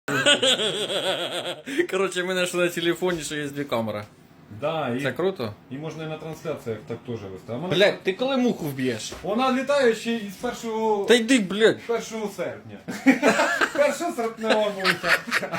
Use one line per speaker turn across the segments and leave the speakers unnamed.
Коротше, ми знайшли на телефоні, що є дві камери.
Да,
Це круто?
і можна і на трансляціях так теж вести.
Блядь, ти коли муху вб'єш?
Вона літає ще із 1
Та йди, блядь.
серпня. 1 серпня муха.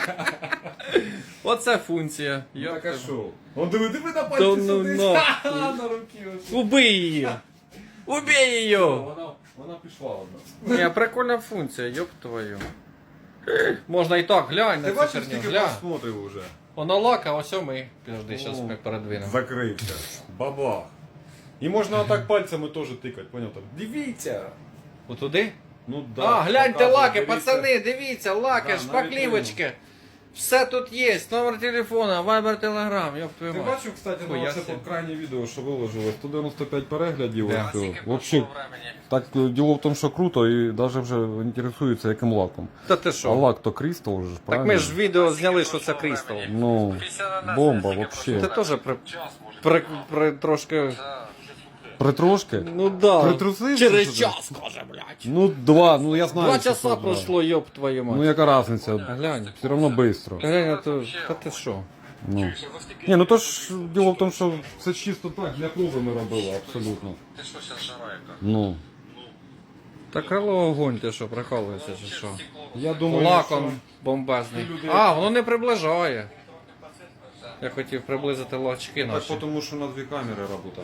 Оце функція.
Так, а що? Он диви на
Та
пальці
ну
сидить.
нахуй.
На руки.
Убий її! Убей її!
Вона пішла одна.
Ні, прикольна функція, ёб твою. Можна і так, глянь
Ти
на цю
бачиш,
херню,
скільки
глянь.
просмотрів уже?
Воно лака, ось ми. Підожди, зараз ми передвинемо.
Закрився. Бабах. І можна отак пальцями теж тикати, поняв? Так, дивіться.
Отуди?
Ну да.
А, гляньте
показує,
лаки,
дивіться.
пацани, дивіться, лаки,
Да,
шпаклівочки. Все тут є, номер телефона, вайбер, телеграм, ёб твою
Ти
мать.
бачив, кстати,
Хуя
на це
себе.
крайнє відео, що виложили? 195 переглядів.
Да.
ось, вообще, так, діло в тому, що круто, і навіть вже інтересуються, яким лаком.
Та ти
А
що?
лак то Крістал же,
Так
правильно?
ми ж відео зняли, що це Крістал.
Ну, бомба вообще.
Ти теж трошки...
Притрошки?
Ну да.
Притрусився,
Через
що ти?
час, каже, блядь.
Ну, ну я знаю.
2
що
часа
це,
пройшло, ёб твою мать.
Ну, яка різниця?
Глянь.
Все одно швидко.
Глянь, а то... Та ти що?
Ну. Ні, ну то ж діло в тому, що все чисто так, для клубу ми робили, абсолютно.
Ти що, зараз жара яка?
Ну.
Та крило огонь, ти що, прикалуєшся чи що?
Я думаю,
Лаком бомбезний. А, воно не приближає. Я хотів приблизити лачки
що...
наші.
Так, тому що на 2 камери робота.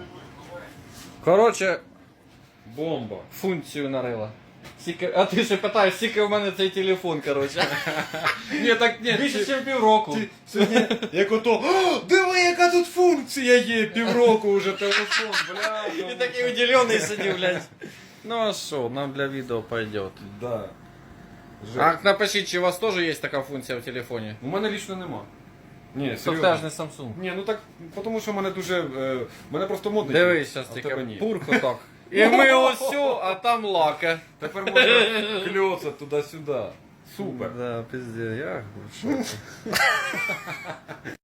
Коротше,
Бомба.
функцію нарила. А ти ще питаєш, скільки в мене цей телефон, коротше. Ні, так ні, більше, ніж півроку.
Сьогодні, як ото, «О, диви, яка тут функція є, півроку вже телефон, бля.
І такий удивлений сидів, блядь. Ну а що, нам для відео пойдет.
Да.
А напишіть, чи у вас теж є така функція в телефоні?
У мене лічно нема. Ні,
Це
серйозно.
теж не Samsung.
Ні, ну так, тому що в мене дуже, мене просто модний.
Дивись, зараз
а в тебе
тільки
ні.
пурку так. І ми ось, а там лака.
Тепер можна кльоцати туди-сюди. Супер.
Да, пиздец, я в шоці.